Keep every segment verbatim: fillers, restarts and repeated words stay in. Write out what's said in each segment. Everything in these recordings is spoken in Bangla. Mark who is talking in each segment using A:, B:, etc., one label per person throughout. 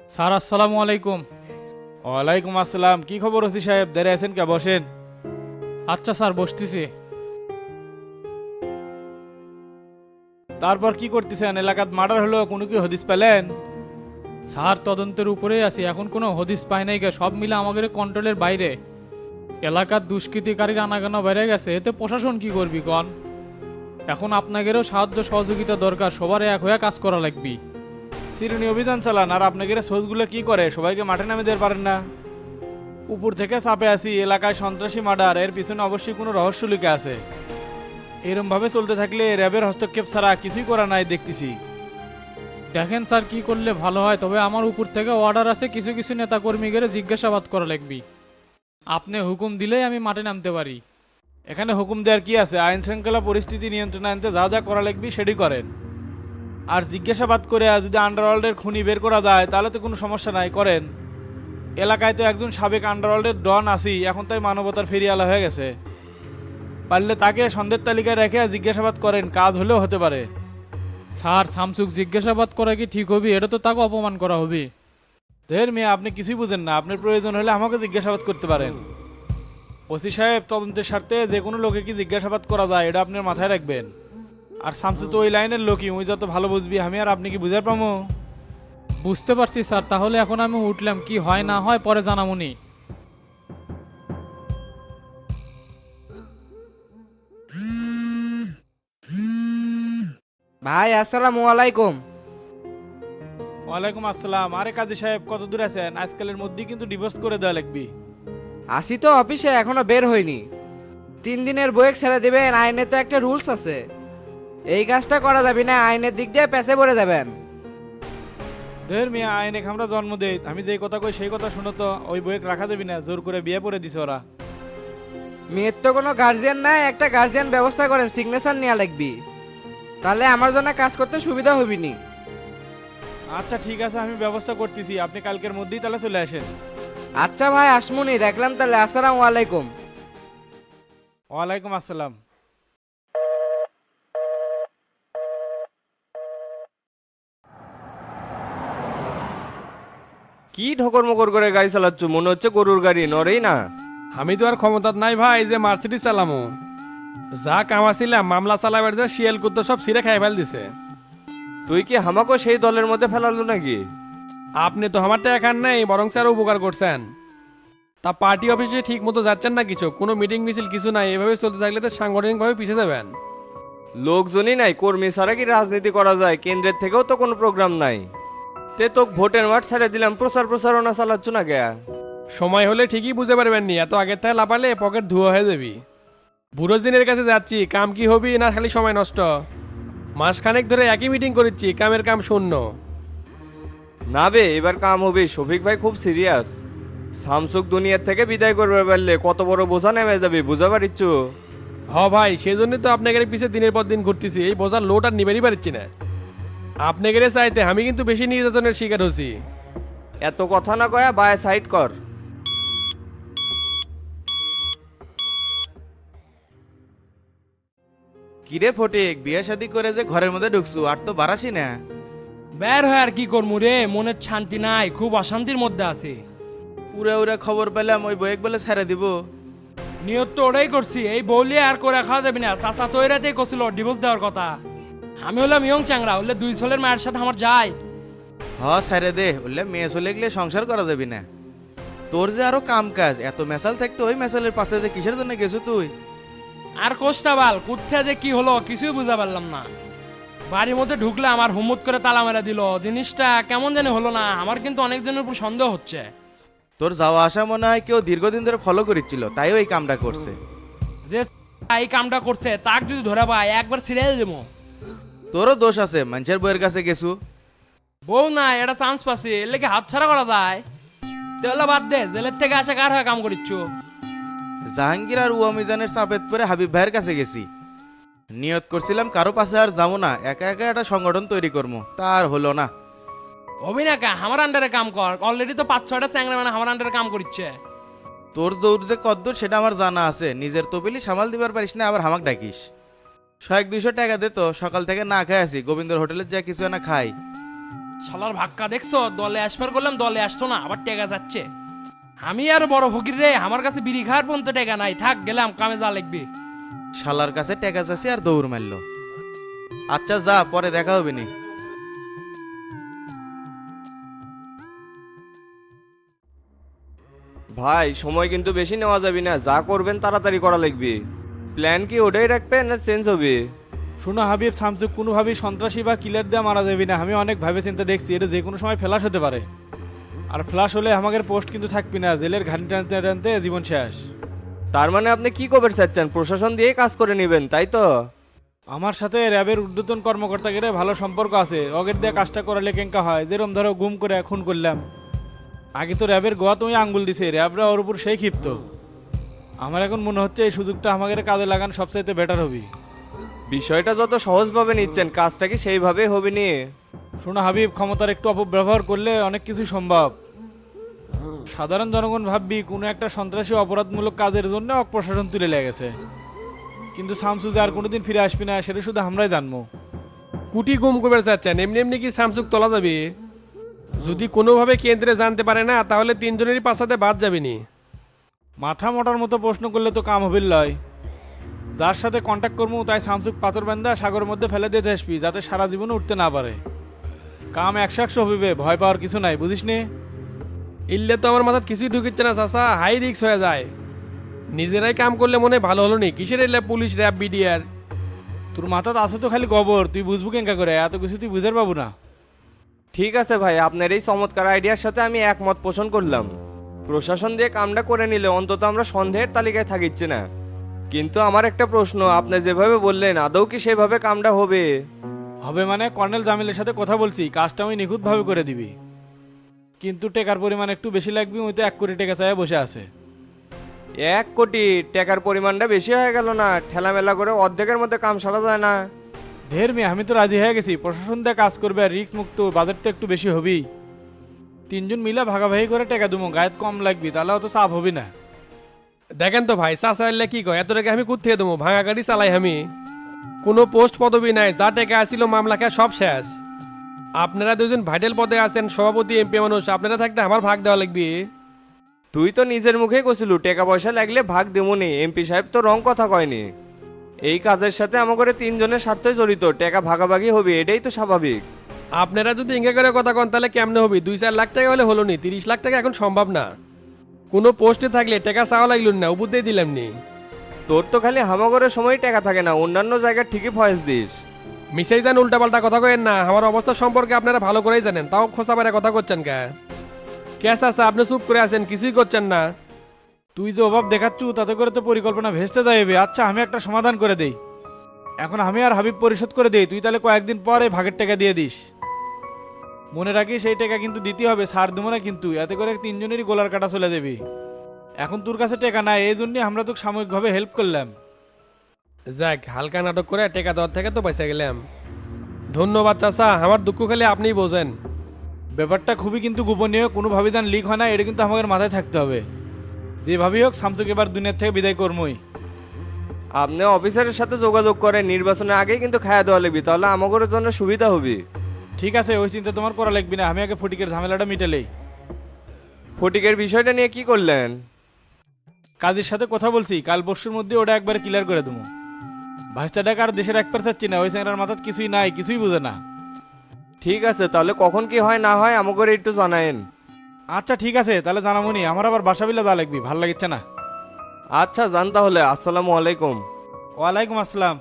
A: স্যার আসসালামু আলাইকুম।
B: ওয়ালাইকুম আসসালাম। কি খবর ওসি সাহেব, দাঁড়িয়ে আছেন কে? বসেন।
A: আচ্ছা স্যার, বসতেছি।
B: তারপর কি করতেছেন? এলাকাত মার্ডার হলো, কোনো কি হদিস পেলেন?
A: স্যার তদন্তের উপরেই আছি, এখন কোনো হদিস পাই নাই গে, সব মিলে আমাদের কন্ট্রোলের বাইরে। এলাকার দুষ্কৃতিকারীর আনাগানা বেড়ে গেছে, এতে প্রশাসন কি করবি কন? এখন আপনাদেরও সাহায্য সহযোগিতা দরকার, সবার এক হয়ে কাজ করা লাগবে।
B: চিরুনি অভিযান চালান, আর আপনাদের সোর্সগুলো কি করে? সবাইকে মাঠে নামে দিতে পারেন না? উপর থেকে চাপে আসি, এলাকায় সন্ত্রাসী মার্ডার, এর পিছনে অবশ্যই কোনো রহস্য লুকে আছে। এরম ভাবে চলতে থাকলে র্যাবের হস্তক্ষেপ ছাড়া কিছুই করা নাই দেখতেছি।
A: দেখেন স্যার কি করলে ভালো হয়, তবে আমার উপর থেকে অর্ডার আছে, কিছু কিছু নেতাকর্মীদের জিজ্ঞাসাবাদ করা লাগবে। আপনি হুকুম দিলেই আমি মাঠে নামতে পারি।
B: এখানে হুকুম দেওয়ার কি আছে? আইন শৃঙ্খলা পরিস্থিতি নিয়ন্ত্রণে আনতে যা যা করা লাগবে সেটি করেন। আর জিজ্ঞাসাবাদ করে যদি আন্ডারওয়ার্ল্ডের খুনি বের করা যায় তাহলে তো কোনো সমস্যা নাই, করেন। এলাকায় তো একজন সাবেক আন্ডারওয়ার্ল্ডের ডন আসি, এখন তাই মানবতার ফেরিয়ালা হয়ে গেছে। পারলে তাকে সন্দেহের তালিকায় রেখে জিজ্ঞাসাবাদ করেন, কাজ হলেও হতে পারে।
A: স্যার শামসুক জিজ্ঞাসাবাদ করা কি ঠিক হবে? এটা তো তাকে অপমান করা হবে।
B: ধের মিয়া, আপনি কিছুই বুঝেন না। আপনার প্রয়োজন হলে আমাকে জিজ্ঞাসাবাদ করতে পারেন। ওসি সাহেব, তদন্তের স্বার্থে যে কোনো লোকে কি জিজ্ঞাসাবাদ করা যায় এটা আপনার মাথায় রাখবেন। আর শামসু তো ওই লাইনের লোকই, ওই যত ভালো বুঝবি। আমি আর আপনি কি বুঝার পামো?
A: বুঝতে পারছি স্যার, তাহলে এখন আমি উঠলাম, কি হয় না হয় পরে জানামুনি।
C: ভাই আসসালামু আলাইকুম।
B: ওয়ালাইকুম আসসালাম। আরে কাজী সাহেব, কত দূর আছেন? আজকালের মধ্যেই কিন্তু ডিভোর্স করে দেওয়া লাগবে।
C: আসি তো অফিসে, এখনো বের হইনি। তিন দিনের বইয়ে ছেড়ে দিবেন, আইনে তো একটা রুলস আছে। এই কাজটা করা যাবে না, আইনের দিক দিয়ে পেছে পড়ে যাবেন।
B: ধের মিয়া, আইনে আমরা জন্ম দেই, আমি যেই কথা কই সেই কথা শুনো তো। ওই বইয়ে রাখা যাবি না, জোর করে বিয়ে পড়ে দিছে ওরা।
C: মেয়ের তো কোনো গার্জিয়ান নাই, একটা গার্জিয়ান ব্যবস্থা করেন, সিগনেচার নেওয়া লাগবি। তাহলে আমার জন্য কাজ করতে সুবিধা হবিনি।
B: আচ্ছা ঠিক আছে, আমি ব্যবস্থা করতেছি। আপনি কালকের মধ্যেই তাহলে চলে আসেন।
C: আচ্ছা ভাই আসমুনি, রাখলাম তাহলে, আসসালামু আলাইকুম।
B: ওয়ালাইকুম আসসালাম।
D: কি ঠকর মকর করে গাড়ি চালাচ্ছ? মনে হচ্ছে গরুর গাড়ি, নড়েই না।
E: আমি তো আর ক্ষমতার নাই ভাই যে মার্সিডিজ চালামো। যা কামাছিলাম মামলা চালাবার যে শিয়াল কুত্তো সব সিরে খাই ফেল দিছে।
D: তুই কি হামাকো সেই দলের মধ্যে ফেলালো নাকি?
E: আপনি তো আমার টাকা নেই, বরং স্যার উপকার করছেন। তা পার্টি অফিসে ঠিক মতো যাচ্ছেন না কিছু? কোনো মিটিং মিছিল কিছু নাই, এভাবে চলতে থাকলে তো সাংগঠনিকভাবে পিছিয়ে যাবেন।
D: লোকজনই নাই, কর্মী ছাড়া কি রাজনীতি করা যায়? কেন্দ্রের থেকেও তো কোনো প্রোগ্রাম নাই। তে তো ভোটের মাঠ ছেড়ে দিলাম, প্রচার প্রচারণা চালাচ্ছ না কে?
E: সময় হলে ঠিকই বুঝে পারবেন নি, এত আগের থেকে লাপালে পকেট ধুয়া হয়ে যাবি। বুড়ো দিনের কাছে যাচ্ছি, কাম কি হবি না খালি সময় নষ্ট? মাসখানেক ধরে একই মিটিং করিচ্ছি, কামের কাম শূন্য।
D: না বে, এবার কাম হবে। শফিক ভাই খুব সিরিয়াস। সামসুক দুনিয়ার থেকে বিদায় করবে পারলে কত বড় বোঝা নেমে যাবে, বুঝা পারিচ্ছ?
E: হ ভাই, সেই জন্যই তো আপনাদের পিছে দিনের পর দিন ঘুরতেছি, এই বোঝার লোড আর নিবেরই পারছি না। আপনাদের চাইতে আমি কিন্তু বেশি নির্যাতনের শিকার হচ্ছি।
D: এত কথা না কয়া বায় সাইড কর।
F: কিরে ফটিক, বিয়ে শাদি করে যে ঘরের মধ্যে ঢুকছু, আর তো বারাসি না।
G: বের হয় আর কি করবো রে, মনের শান্তি নাই, খুব অশান্তির মধ্যে আছে।
F: উড়ে উড়ে খবর পেলাম ওই বয়েক বলে ছেড়ে দিব।
G: নিয়ত তো ওটাই করছি, এই বউলি আর করে খাওয়া যাবে না। চাচা তো এরাতেই করছিল ডিভোর্স দেওয়ার কথা। আমি হলাম ইয়ং চ্যাংরা, হলে দুই ছেলের মায়ের সাথে আমার যায়।
F: হ ছেড়ে দে, বললে মেয়ে চলে গেলে সংসার করা যাবি না। তোর যে আরো কাম কাজ, এত মেসাল থাকতো, ওই মেসালের পাশে যে কিসের জন্য গেছু তুই?
G: আর কোষ্টা বাল কুত্থা যে কি হলো কিছুই বুঝা পারলাম না। বাড়ির মধ্যে ঢুকলে আমার হুমুত করে তালা মেরা দিল, জিনিসটা কেমন জানি হলো না। আমার কিন্তু অনেকজনের উপর সন্দেহ হচ্ছে।
F: তোর যাওয়া আসা মনে হয় কেউ দীর্ঘদিন ধরে ফলো করেছিল, তাই ওই কামটা করছে।
G: যে এই কামটা করছে তাক যদি ধরে পায় একবার ছিড়ে দেবো।
F: তোরও দোষ আছে, মানুষের বইয়ের কাছে গেছু।
G: বউ না, এটা চান্স পাচ্ছি, এর লেগে হাত ছাড়া করা যায়? তাহলে বাদ দে, জেলের থেকে আসে কার হয়ে কাম করিচ্ছ?
F: জাহাঙ্গীর আর উমিজানের চাপেত পরে হাবিব ভাইয়ের কাছে গেছি। নিয়ত করছিলাম কারো পাশে আর যাবো না, একা একা একটা সংগঠন তৈরি করবো, তার হলো না।
G: অভিনাকা আমার আন্ডারে কাম কর, অলরেডি তো পাঁচ ছয়টা চ্যাংরা মানে আমার আন্ডারে কাম করছে।
F: তোর দৌড় যে কদ্দূর সেটা আমার জানা আছে। নিজের তবিলি সামাল দিবার পারিস না, আবার হামাক ডাকিস। শয়েক দুইশো টাকা দে তো, সকাল থেকে না খাই আছি, গোবিন্দর হোটেলে যা কিছু না খাই।
G: শালার ভাক্কা দেখছো, দলে আসবার করলাম দলে আসতো না, আবার টেকা যাচ্ছে। আমি আর বড় ফকির রে, আমার কাছে বিড়ি খাওয়ার পর্যন্ত টেকা নাই, থাক গেলাম, কামে যা লাগবে।
F: শালার কাছে টেকা চাষি আর দৌড় মারলো। আচ্ছা যা, পরে দেখা হবে নি।
D: ভাই সময় কিন্তু বেশি নেওয়া যাবে না, যা করবেন তাড়াতাড়ি করা লাগবে। প্ল্যান কি ওটাই রাখবেন না চেঞ্জ হবে?
B: শোনো হাবিব, শামসুক কোনোভাবেই সন্ত্রাসী বা কিলার দিয়ে মারা যাবে না। আমি অনেক ভাবে চিন্তা দেখছি, এটা যে কোনো সময় ফ্ল্যাশ হতে পারে। আর ফ্ল্যাশ হলে আমাদের পোস্ট কিন্তু থাকবি না, জেলের ঘানি টানতে টানতে জীবন শেষ।
D: তার মানে আপনি কি কবে চাচ্ছেন? প্রশাসন দিয়েই কাজ করে নেবেন তাই তো?
B: আমার সাথে র্যাবের ঊর্ধ্বতন কর্মকর্তাকে ভালো সম্পর্ক আছে, অগের দিয়ে কাজটা করালে কেঙ্কা হয়। যেরকম ধরো গুম করে খুন করলাম, আগে তো র্যাবের গোয়া তুমি আঙ্গুল দিছে, র্যাবরা ওর উপর সেই ক্ষিপ্ত। আমার এখন মনে হচ্ছে এই সুযোগটা আমাদের কাজে লাগান সবচাইতে বেটার হবে।
D: বিষয়টা যত সহজভাবে নিচ্ছেন, কাজটা কি সেইভাবেই হবে নি?
B: শোনো হাবিব, ক্ষমতার একটু অপব্যবহার করলে অনেক কিছু সম্ভব। সাধারণ জনগণ ভাববি কোনো একটা সন্ত্রাসী অপরাধমূলক কাজের জন্য প্রশাসন তুলে লেগেছে, কিন্তু শামসু যে আর কোনোদিন ফিরে আসবি না সেটা শুধু আমরাই জানবো।
E: কুটি গুম করবে চাচ্ছেন, এমনি এমনি কি শামসুক তোলা যাবে? যদি কোনোভাবে কেন্দ্রে জানতে পারে না, তাহলে তিনজনেরই পাশাতে বাদ যাবে নি।
B: মাথা মোটার মতো প্রশ্ন করলে তো কাম হবির লয়। যার সাথে কন্ট্যাক্ট করবো তাই শামসুক পাথর বান্ধা সাগরের মধ্যে ফেলে দিতে আসবি, যাতে সারা জীবনে উঠতে না পারে। কাম একশো একশো হবিবে, ভয় পাওয়ার কিছু নাই, বুঝিস নি?
E: ইল্লে তো আমার মাথায় কিছুই ঢুকিচ্ছে না চাচা, হাই রিক্স হয়ে যায়। নিজেরাই কাম করলে মনে হয় ভালো হলো নি, কিসের এলে পুলিশ র্যাব বিডিআর।
B: তোর মাথাতে আছে তো খালি গোবর, তুই বুঝবো কেঙ্কা করে, এত কিছু তুই বুঝার পাবো না।
D: ঠিক আছে ভাই, আপনার এই চমৎকার আইডিয়ার সাথে আমি একমত পোষণ করলাম। প্রশাসন দিয়ে কামটা করে নিলে অন্তত আমরা সন্দেহের তালিকায় থাকিচ্ছি না। কিন্তু আমার একটা প্রশ্ন, আপনি যেভাবে বললেন আদৌ কি সেভাবে কামটা হবে?
B: হবে মানে কর্নেল জামিলের সাথে কথা বলছি, কাজটা আমি নিখুঁতভাবে করে দিবি, কিন্তু টাকার পরিমাণ একটু বেশি লাগবে। ওই তো এক কোটি টাকা চাই বসে আছে।
D: এক কোটি টাকার পরিমাণটা বেশি হয়ে গেল না? ঠেলামেলা করে অর্ধেকের মধ্যে কাম সারা যায় না?
B: ঢের মেয়ে, আমি তো রাজি হয়ে গেছি। প্রশাসন দিয়ে কাজ করবে আর রিস্ক মুক্ত, বাজেট তো একটু বেশি হবেই। তিনজন মিলা ভাগাভাগি করে টাকা দেবো, গায়েত কম লাগবে, তাহলে অত চাপ হবে না।
E: দেখেন তো ভাই, চাচা এলে কি কয়, এত টাকা আমি কোথা থেকে দেবো? ভাঙা গাড়ি চালাই আমি, কোনো পোস্ট পদবি নাই, যা টাকা আসছিল মামলা খেয়ে সব শেষ। আপনারা দুজন ভাইটাল পদে আছেন, সভাপতি এমপি মানুষ, আপনারা থাকতে আমার ভাগ দেওয়া লাগবে।
D: তুই তো নিজের মুখেই কছিলু টাকা পয়সা লাগলে ভাগ দেবনি, এমপি সাহেব তো রং কথা কয়নি। এই কাজের সাথে আমাদের তিনজনের স্বার্থই জড়িত, টাকা ভাগাভাগি হবে, এটাই তো স্বাভাবিক।
E: আপনারা যদি ইঙ্গা করে কথা কন তাহলে কেমনে হবে? দুই চার লাখ টাকা হলে হলো নি, তিরিশ লাখ টাকা এখন সম্ভব না। কোনো পোস্টে থাকলে টাকা চাওয়া লাগল না, উবুতেই দিলাম নি।
D: তোর তো খালি হামাগরের সময় টাকা থাকে না, অন্যান্য জায়গায় ঠিকই ফয়েস দিস।
E: মিশাই যান, উল্টাপাল্টা কথা কয়েন না। আমার অবস্থা সম্পর্কে আপনারা ভালো করেই জানেন, তাও খোঁচা বেড়ে কথা করছেন কে? ক্যাশ আছে, আপনি চুপ করে আছেন, কিছুই করছেন না।
B: তুই যে অভাব দেখাচ্ছু, তাতে করে তো পরিকল্পনা ভেস্তে যাইবে। আচ্ছা আমি একটা সমাধান করে দেই, এখন আমি আর হাবিব পরিশোধ করে দেই, তুই তাহলে কয়েকদিন পরে ভাগের টাকা দিয়ে দিস। মনে রাখিস সেই টাকা কিন্তু দিতে হবে, ছাড় দেবো না কিন্তু, এতে করে তিনজনেরই গোলার কাটা চলে যাবি। এখন তোর কাছে টাকা নাই, এই জন্যই আমরা তোকে সাময়িকভাবে হেল্প করলাম।
E: যাক, হালকা নাটক করে টেকা দেওয়ার থেকে তো পয়সা গেলাম। ধন্যবাদ চাচা, আমার দুঃখ খালি আপনিই বোঝেন।
B: ব্যাপারটা খুবই কিন্তু গোপনীয়, কোনোভাবে যেন লিক হয় না, এটা কিন্তু আমাদের মাথায় থাকতে হবে। যেভাবেই হোক শামসুক এবার দুনিয়ার থেকে বিদায় করমই।
D: আপনি অফিসারের সাথে যোগাযোগ করেন, নির্বাচনের আগেই কিন্তু খাওয়া দেওয়া লাগবে, তাহলে আমাদের জন্য সুবিধা হবে।
B: ঠিক আছে, ওই চিন্তা তোমার করা লাগবে না, আমি আগে ফটিকের ঝামেলাটা মিটালেই।
D: ফটিকের বিষয়টা নিয়ে কি করলেন?
B: কাজের সাথে কথা বলছি, কাল পরশুর মধ্যে ওটা একবার ক্লিয়ার করে দেবো। ভাষটা টাকা আর দেশের এক পার চাচ্ছি না, ওই স্যাংরার মাথার কিছুই নাই, কিছুই বোঝে না।
D: ঠিক আছে, তাহলে কখন কি হয় না হয় আমাকে একটু জানায়েন।
B: আচ্ছা ঠিক আছে, তাহলে জানামনি। আমার আবার বাসা বিলা যা লাগবি, ভাল লাগছে না।
D: আচ্ছা জান, তাহলে আসসালামু আলাইকুম।
B: ওয়ালাইকুম আসসালাম।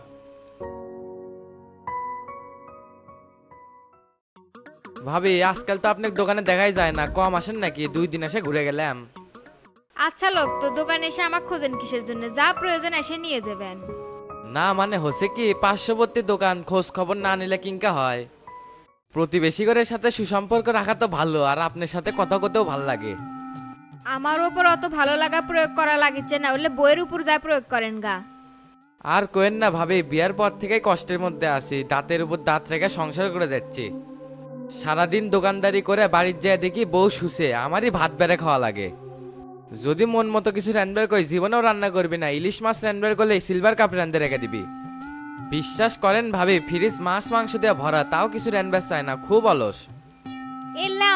C: ভাবি আজকাল তো আপনার দোকানে দেখাই যায় না, কম আসেন নাকি? দুই দিন এসে ঘুরে গেলাম।
H: আচ্ছা লোক তো দোকানে এসে আমার খোঁজেন কিসের জন্য? যা প্রয়োজন এসে নিয়ে যাবেন।
C: না মানে হচ্ছে কি, পার্শ্ববর্তী দোকান, খোঁজ খবর না নিলে কিংকা হয়? প্রতিবেশী ঘরের সাথে সুসম্পর্ক রাখা তো ভালো, আর আপনার সাথে কথা কতেও ভালো লাগে।
H: আমার উপর অত ভালো লাগা প্রয়োগ করা লাগিচ্ছে না, হলে বইয়ের উপর যা প্রয়োগ করেন গা।
C: আর কোয়েন না ভাবি, বিয়ার পর থেকেই কষ্টের মধ্যে আছি, দাঁতের উপর দাঁত রেখে সংসার করে যাচ্ছি। সারাদিন দোকানদারি করে বাড়ির যায় দেখি বউ শুষে, আমারই ভাত বেড়ে খাওয়া লাগে। যদি মন মতো কিছু রান্নার কই, জীবনেও রান্না করবি না। ইলিশ মাছ রান্নার করলে সিলভার কাপ রান্ধে রেখে দিবি। বিশ্বাস করেন ভাবি, ফ্রিজ মাছ মাংস দিয়ে ভরা, তাও কিছু রান্নার চায় না, খুব অলস।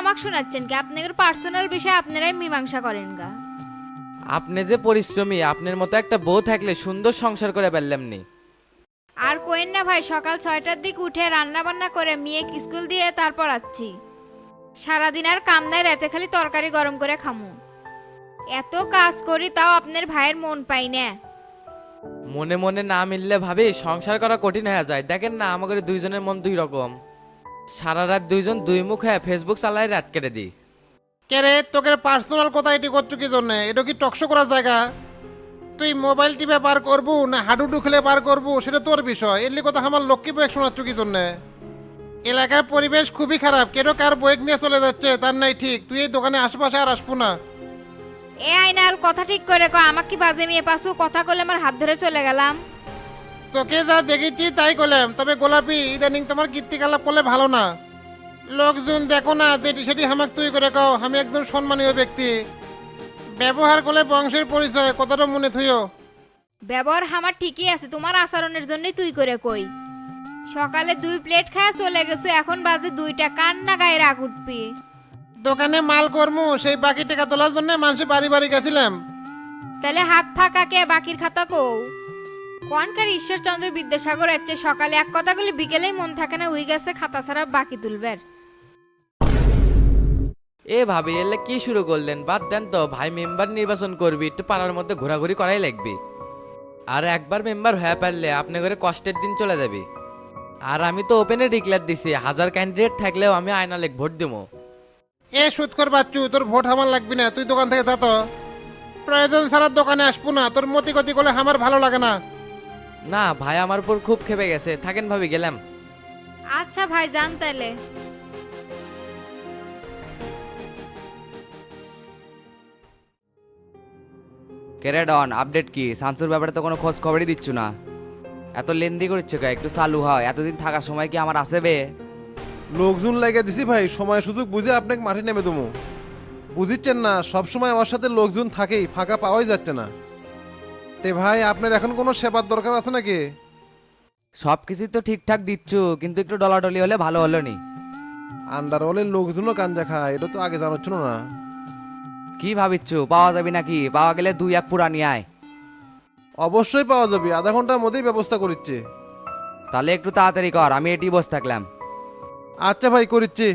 H: আমাকে শোনাচ্ছেন কি? আপনাদের পার্সোনাল বিষয় আপনারাই মীমাংসা করেন গা।
C: আপনি যে পরিশ্রমী, আপনার মতো একটা বউ থাকলে সুন্দর সংসার করে পারলাম নি।
H: আর কোয়েন না ভাই, সকাল ছয়টার দিক উঠে রান্না বান্না করে মেয়ে স্কুল দিয়ে তারপর আছি। সারাদিন আর কাম নাই, রাতে খালি তরকারি গরম করে খামু। এত কাজ করি তাও আপনার ভাইয়ের মন পাই না।
C: মনে মনে না মিললে ভাবি সংসার করা কঠিন হয়ে যায়। দেখেন না আমাদের দুইজনের মন দুই রকম। সারা রাত দুইজন দুই মুখ হয়ে ফেসবুক চালাই রাত কেটে দিই।
I: কে রে, তোকে পার্সোনাল কথা এটি করছো কি জন্য? এটা কি টকশো করার জায়গা? তুই মোবাইল টিপে পার করবো না হাডুডু খেলে পার করবো সেটা তোর বিষয়। এর কথা আমার লক্ষ্মী বয়েক শোনাচ্ছ কি জন্য? এলাকার পরিবেশ খুবই খারাপ, কেন কার বয়েক নিয়ে চলে যাচ্ছে তার নাই ঠিক। তুই এই দোকানে আশেপাশে আর আসবো না।
H: এ আইনাল কথা ঠিক করে কয়, আমাকে কি বাজে মেয়ে পাশু কথা কলে আমার হাত ধরে চলে গেলাম।
I: তোকে যা দেখেছি তাই করলাম, তবে গোলাপি ইদানিং তোমার কীর্তিকলাপ করলে ভালো না। লোকজন দেখো না যেটি সেটি হামাক তুই করে কও। আমি একজন সম্মানীয় ব্যক্তি, ব্যবহার করলে বংশের পরিচয়, কথাটা মনে থুইও।
H: ব্যবহার আমার ঠিকই আছে, তোমার আচরণের জন্যই তুই করে কই। সকালে দুই প্লেট খায় চলে গেছো, এখন বাজে দুইটা, কান্না গায়ে রাগ উঠবি।
I: দোকানে মাল কর্ম সেই বাকি টাকা তোলার জন্য মানুষের বাড়ি বাড়ি গেছিলাম।
H: তাহলে হাত ফাঁকা কে বাকির খাতা কও? কোনকার ঈশ্বরচন্দ্র বিদ্যাসাগর আছে, সকালে এক কথা বলে বিকেলেই মন থাকে না উই গেছে খাতা ছাড়া বাকি তুলবের।
C: এ ভাবি এলে কি শুরু করলেন? বাদ দেন তো ভাই, মেম্বার নির্বাচন করবি, একটু পাড়ার মধ্যে ঘোরাঘুরি করাই লাগবে। আর একবার মেম্বার হয়ে পারলে আপনি করে কষ্টের দিন চলে যাবে। আর আমি তো ওপেনে ডিক্লেয়ার দিছি, হাজার ক্যান্ডিডেট থাকলেও আমি আয়না লেখ ভোট দেবো।
I: এ সুৎকর বাচ্চু, তোর ভোট আমার লাগবে না, তুই দোকান থেকে যা তো। প্রয়োজন ছাড়া দোকানে আসবো না, তোর মতি গতি করলে আমার ভালো লাগে না।
C: না ভাই, আমার উপর খুব খেপে গেছে, থাকেন ভাবি গেলাম।
H: আচ্ছা ভাই যান তাইলে।
J: কেরেডন আপডেট কি? শামসুর ব্যাপারে তো কোনো খোঁজ খবরই দিচ্ছ না। এত লেন্দি করছে কে? একটু চালু হয়। এতদিন থাকার সময় কি আমার আসে বে?
K: লোকজন লাগে দিছি ভাই, সময় সুযোগ বুঝে আপনাকে মাঠে নেমে দেবো। বুঝিচ্ছেন না, সব সময় আমার সাথে লোকজন থাকেই, ফাঁকা পাওয়াই যাচ্ছে না। তে ভাই আপনার এখন কোনো সেবার দরকার আছে নাকি?
J: সব কিছুই তো ঠিকঠাক দিচ্ছ, কিন্তু একটু ডলাডলি হলে ভালো হলো নি।
K: আন্ডারওয়ালের লোকজনও গাঞ্জা খায়, এটা তো আগে জানাচ্ছিল না।
J: কি ভাবিচ্ছ, পাওয়া যাবে নাকি? পাওয়া গেলে দুই এক পুরা নিয়ে আয়।
K: অবশ্যই পাওয়া যাবে, আধা ঘন্টার মধ্যেই ব্যবস্থা করিচ্ছে।
J: তাহলে একটু তাড়াতাড়ি কর, আমি এটি বসে থাকলাম।
K: আচ্ছা ভাই, করিচ্ছি।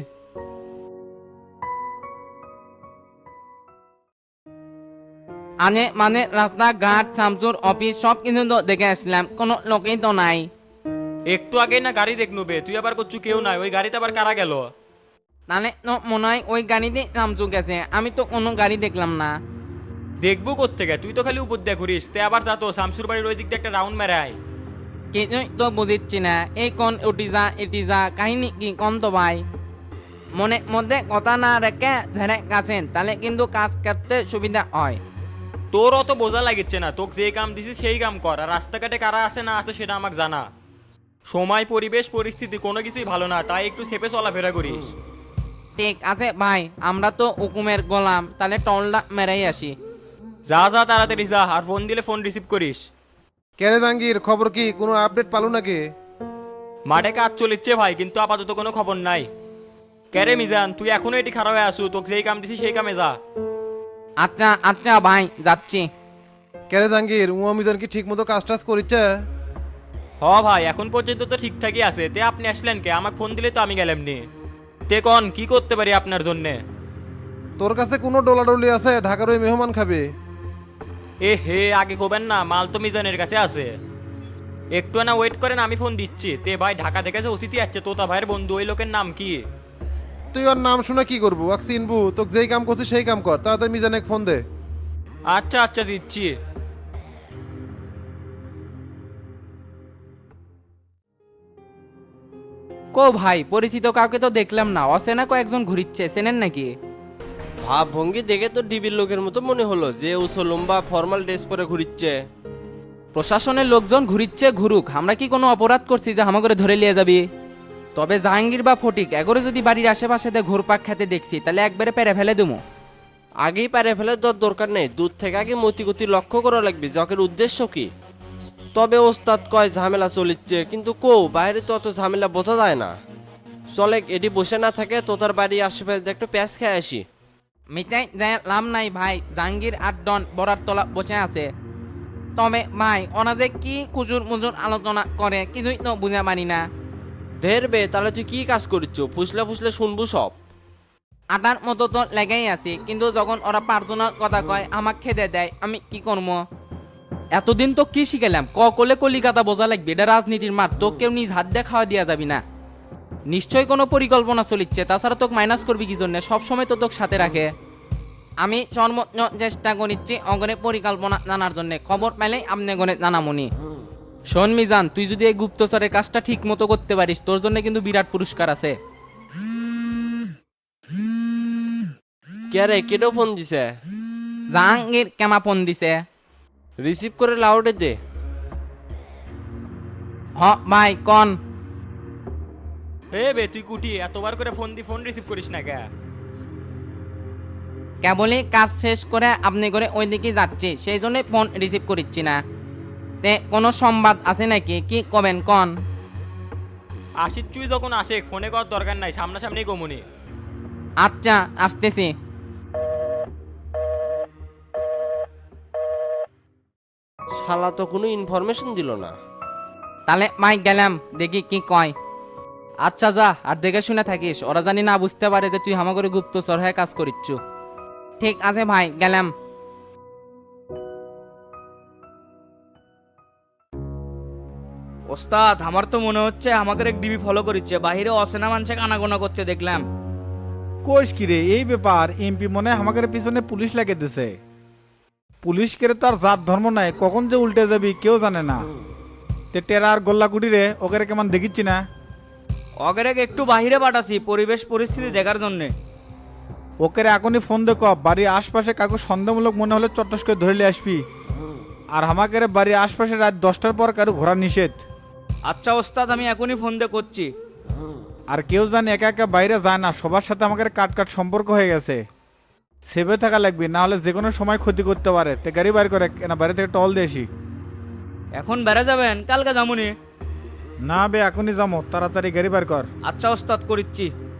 L: আনে মানে রাস্তাঘাট শামসুর অফিস সব কিছু তো দেখে আসলাম, কোনো লোকই তো নাই।
D: একটু আগেই না গাড়ি দেখনু বে, তুই আবার করছু কেউ নাই, ওই গাড়িতে আবার কারা গেল?
L: তাহলে তো মনে হয় ওই গাড়িতে শামসু গেছে, আমি তো কোনো গাড়ি দেখলাম না।
D: দেখবো কোত্থেকে? তুই তো খালি উপর দিয়ে ঘুরিস। তে আবার যা তো শামসুর বাড়ির ওই দিক দিয়ে একটা রাউন্ড মেরে আয়।
L: কিছুই তো বুঝিচ্ছি না, এই কোন উটি যা এটি যা কাহিনী কি কম তো ভাই। মনে মধ্যে কথা না রেখে ধরে গেছেন, তাহলে কিন্তু কাজ করতে সুবিধা হয়।
D: তোর অত বোঝা লাগিচ্ছে না, তোকে যে কাম দিছি সেই কাম কর। আর রাস্তাঘাটে কারা আছে না আছে সেটা আমাকে জানা। সময় পরিবেশ পরিস্থিতি কোনো কিছুই ভালো না, তাই একটু চেপে চলাফেরা করিস।
L: ঠিক আছে ভাই, আমরা তো হুকুমের গোলাম, তাহলে টলটা মেরাই আসি।
D: যা যা তাড়াতাড়ি যা, আর ফোন দিলে ফোন রিসিভ করিস।
K: কেরে জাঙ্গির, খবর কি? কোনো আপডেট পালো নাকি?
D: মাঠে কাজ চলিচ্ছে ভাই, কিন্তু আপাতত কোনো খবর নাই। ক্যারে মিজান, তুই এখনো এটি খারাপ হয়ে আসু, তোকে যেই কাম দিছি সেই কামে যা।
L: আচ্ছা আচ্ছা ভাই, যাচ্ছি।
K: কেরে জাঙ্গির, উমা মিজান কি ঠিক মতো কাজ টাজ করিচ্ছে?
D: হ ভাই, এখন পর্যন্ত তো ঠিকঠাকই আছে। তে আপনি আসলেন কে? আমাকে ফোন দিলে তো আমি গেলাম নি। তে কন কি করতে পারি আপনার জন্যে?
K: তোর কাছে কোনো ডলাডলি আছে? ঢাকার ওই মেহমান খাবে।
D: এ হে, আগে কবেন না, মাল তো মিজানের কাছে আছে। একটু না ওয়েট করেন, আমি ফোন দিচ্ছি। তে ভাই, ঢাকা থেকে যে অতিথি আসছে তোতা ভাইয়ের বন্ধু, ওই লোকের নাম কি?
K: তুই ওর নাম শুনে কি করবো? ওয়াক চিনবু? তোকে যেই কাম করছিস সেই কাম কর, তাড়াতাড়ি মিজানে ফোন দে।
D: আচ্ছা আচ্ছা, দিচ্ছি।
L: কো ভাই, পরিচিত কাউকে তো দেখলাম না, অচেনা কয়েকজন ঘুরিচ্ছে, চেনেন নাকি?
M: ভাব ভঙ্গি দেখে তো ডিবির লোকের মতো মনে হলো, যে উঁচু লম্বা ফর্মাল ড্রেস পরে ঘুরিচ্ছে।
L: প্রশাসনের লোকজন ঘুরিচ্ছে, ঘুরুক, আমরা কি কোনো অপরাধ করছি যে হামা করে ধরে নিয়ে যাবি? তবে জাহাঙ্গীর বা ফটিক এগোরে যদি বাড়ির আশেপাশে ঘুরপাক খেতে দেখছি, তাহলে একবারে পেরে ফেলে দেবো।
M: আগেই পারে ফেলে তোর দরকার নেই, দূর থেকে আগে মতিগতি লক্ষ্য করা লাগবে জকের উদ্দেশ্য কি। তবে ওস্তাদ কয় ঝামেলা চলিচ্ছে, কিন্তু কো বাইরে তো অত ঝামেলা বোঝা যায় না। চলে এটি বসে না থাকে তো তার বাড়ি আশেপাশে একটু প্যাঁচ খেয়ে আসি।
L: মিটাই যায় লাভ নাই ভাই, জাহাঙ্গীর আর ডন বরার তলা বসে আছে। তবে ভাই ওনা যে কি কুজুর মুজুর আলোচনা করে কিছুই তো বুঝে পারি না।
M: ধেরবে তাহলে তুই কি কাজ করছ? ফুসলে ফুসলে শুনবো সব।
L: আটার মতো তো লেগেই আছি, কিন্তু যখন ওরা পার্সোনাল কথা কয় আমাকে খেদে দেয়, আমি কি করবো? এতদিন তো কি শিখালাম, ক কলে কলিকাতা বোঝা লাগবে, এটা রাজনীতির মাঠ, তো কেউ নিজ হাত দিয়ে খাওয়া দিয়া যাবি না। নিশ্চয়ই কোনো পরিকল্পনা চলিচ্ছে, তাছাড়া তোকে মাইনাস করবি কি জন্য? সবসময় তো তোকে সাথে রাখে। আমি সর্বোচ্চ চেষ্টা করিচ্ছি অগণে পরিকল্পনা জানার জন্য, খবর পেলেই আপনি গণে জানামনি। শোন মিজান, তুই যদি এই গুপ্তচরের কাজটা ঠিক মতো করতে পারিস, তোর জন্য কিন্তু বিরাট পুরস্কার আছে।
M: কে রে, কেটো ফোন দিছে?
L: জাহাঙ্গীর কেমা ফোন দিছে।
M: রিসিভ করে লাউডে দে।
L: হ ভাই কন।
N: হে বে তুই কুটি এতবার করে ফোন দি ফোন রিসিভ করিস না কে?
L: কেবলই কাজ শেষ করে আপনি করে ওই দিকে যাচ্ছি, সেই জন্য ফোন রিসিভ করিচ্ছি না। তে কোনো সংবাদ আছে নাকি, কি কবেন কন?
N: আশির চুই যখন আসে ফোনে করার দরকার নাই, সামনাসামনি কমুনি।
L: আচ্ছা আসতেছি।
M: শালা তো কোনো ইনফরমেশন দিল না।
L: তাহলে মাই গেলাম, দেখি কি কয়। আচ্ছা যা, আর দেখে শুনে থাকিস, ওরা জানি না বুঝতে পারে যে তুই হামাগরে গুপ্তচর হয়ে কাজ করিচ্ছু। ঠিক আছে ভাই, গেলাম।
O: ওস্তাদ, আমার তো মনে হচ্ছে আমাদের এক ডিবি ফলো করিচ্ছে, বাহিরে অসেনা মানুষে আনাগোনা করতে দেখলাম।
B: কোষ কিরে এই ব্যাপার? এমপি মনে হয় আমাদের পিছনে পুলিশ লাগিয়ে দিছে। পুলিশ কেরে তো আর জাত ধর্ম নাই, কখন যে উল্টে যাবি কেউ জানে না। তে টেরা আর গোল্লাকুটি রে ওকে কেমন দেখিচ্ছি না?
O: অগের একটু বাহিরে পাঠাছি পরিবেশ পরিস্থিতি দেখার জন্যে।
B: ওকে এখনই ফোন দেখো, বাড়ির আশপাশে কাকু সন্দেহমূলক মনে হলে চট্টস করে ধরে আসবি। আর আমাকে বাড়ির আশপাশে রাত দশটার পর কারো ঘোরা নিষেধ।
O: আচ্ছা ওস্তাদ, আমি এখনই ফোন দিয়ে করছি।
B: আর কেউ জানে একা একা বাইরে যায় না, সবার সাথে আমাদের কাট কাট সম্পর্ক হয়ে গেছে। সেভে থাকা লাগবে, না হলে যে কোনো সময় ক্ষতি করতে পারে। তে গাড়ি বাইর করে না, বাইরে থেকে টল দিয়ে আসি।
O: এখন বেড়ে যাবেন? কালকে যামুনি।
B: না বে, এখনই যাবো, তাড়াতাড়ি গাড়ি বাইর কর।
O: আচ্ছা ওস্তাদ, করিচ্ছি।